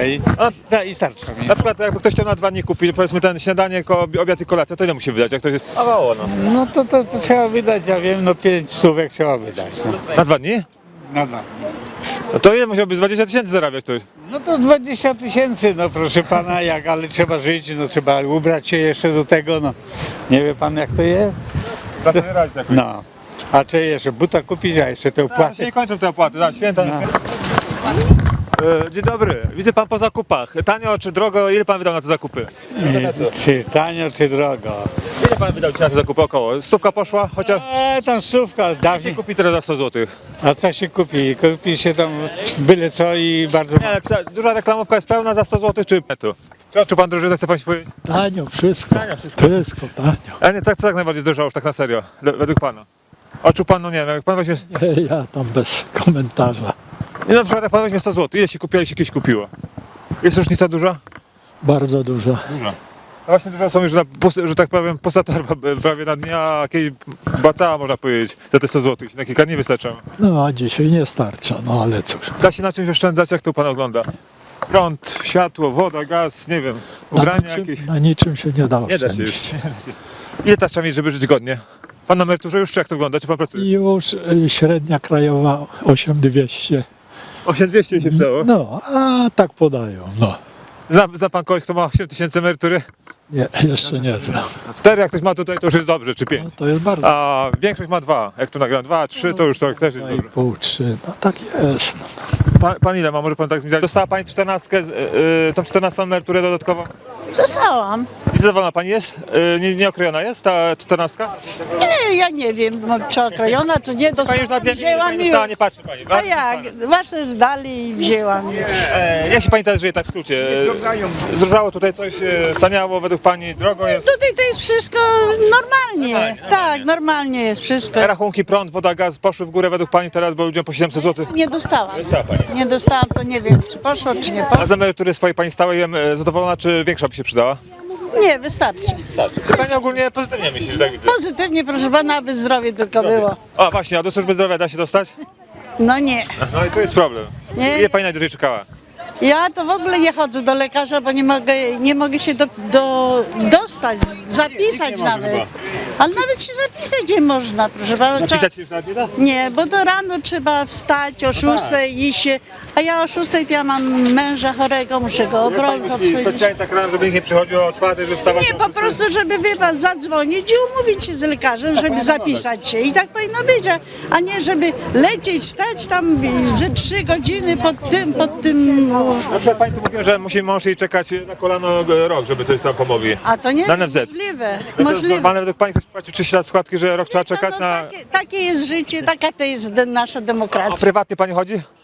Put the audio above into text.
i starcza mi. Na przykład jakby ktoś chciał na 2 dni kupić, powiedzmy ten śniadanie, obiad i kolacja, to ile musi wydać, jak ktoś jest mało, no. No to trzeba wydać, ja wiem, no 5 stówek trzeba wydać. No. Na 2 dni? Na dwa. No to ile musiałby z 20 000 zarabiać ktoś? No to 20 000, no proszę pana, ale trzeba żyć, no trzeba ubrać się jeszcze do tego, no. Nie wie pan jak to jest? Trzeba sobie radzić jakoś. No. A czy jeszcze buta kupić, a jeszcze te Tak, się opłaty? nie kończą te opłaty, tak, święta. No. Dzień dobry, widzę pan po zakupach. Tanio czy drogo, ile pan wydał na te zakupy? Czy tanio, czy drogo? Ile pan wydał na te zakupy około? Stówka poszła? Chociaż Tam stówka, się dawniej. kupi teraz za 100 zł. A co się kupi? Kupi się tam byle co i bardzo Nie, duża reklamówka jest pełna za 100 zł czy tu? Czy pan drożej, chce pan się powiedzieć? Tanio, wszystko. Wszystko tanio. A nie, tak co tak najbardziej zdrożało już tak na serio, według pana? Oczu pan, no nie wiem, jak pan weźmie... Ja tam bez komentarza. Nie, na przykład jak pan weźmie 100 zł, ile się kupiło, ile się kiedyś kupiło? Jest różnica duża? Bardzo dużo. Duża. No właśnie dużo są już, że tak powiem, poza torba prawie na dnia, a kiedyś była cała, można powiedzieć, za te 100 zł. Na kilka dni wystarczało. No a dzisiaj nie starcza, no ale cóż. Da się na czymś oszczędzać, jak to pan ogląda? Prąd, światło, woda, gaz, nie wiem, Na ubrania niczym, jakieś. na niczym się nie da Nie da się już. oszczędzić. Ile ta trzeba mieć, żeby żyć godnie? Pan na emeryturze już, czy jak to wygląda? Czy pan pracuje? Już średnia krajowa 8200. 8200 się wstało. No, a tak podają. No. Zna pan kogoś, kto ma 8000 emerytury? Nie, jeszcze nie znam. 4, jak ktoś ma tutaj, to już jest dobrze, czy 5. No, to jest bardzo. A większość ma 2. Jak tu nagram 2, 3, to już to też jest dobrze. 2,5, 3, no tak jest. No. Pan ile ma? Może pan tak zmieniać? Dostała pani 14, tą 14 emeryturę dodatkowo? Dostałam. I zadowolona pani jest? Nieokrojona jest ta 14? Nie, ja nie wiem, czy okrojona, czy nie. Pani już na Dostałam, dnie wzięłam nie i... dostała, nie patrzy pani. A jak? Właśnie zdali i wzięłam. Jak się pani teraz żyje tak w skrócie? Zdrożało tutaj coś, staniało według pani, drogo jest? Tutaj to jest wszystko normalnie. Tak, normalnie jest wszystko. Rachunki, prąd, woda, gaz poszły w górę według pani teraz, bo ludziom po 700 zł. Nie dostałam. Dostała pani. Nie dostałam, to nie wiem, czy poszło, czy nie A poszło. z emerytury swojej pani stałej zadowolona, czy większa by się przydała? Nie, wystarczy. Czy pani ogólnie pozytywnie myśli, że tak widzę? Pozytywnie, proszę pana, aby zdrowie tylko było. O właśnie, a do służby zdrowia da się dostać? No nie. No i tu jest problem. Nie. Ile pani najdłużej czekała? Ja to w ogóle nie chodzę do lekarza, bo nie mogę się dostać, zapisać nie może nawet. chyba. Ale nawet się zapisać nie można, proszę pana. Napisać się już nawet nie da? Nie, bo do rano trzeba wstać o 6 iść się, a ja o 6 ja mam męża chorego, muszę go Jak pani obrobić. myśli specjalnie tak rano, żeby nikt nie przychodził o 4, żeby wstawać Nie, o po 6? prostu, żeby wie pan, zadzwonić i umówić się z lekarzem, żeby zapisać się. I tak powinno być, a nie żeby lecieć, stać tam ze 3 godziny pod tym. Na przykład pani tu mówiła, że musi mąż jej czekać na kolano rok, żeby coś tam pomogli. A to nie Na jest NFZ. możliwe. No to jest Możliwe. normalne, według pani ktoś płacił 30 lat składki, że rok trzeba czekać No, na... takie jest życie, taka to jest nasza A demokracja. prywatny pani chodzi?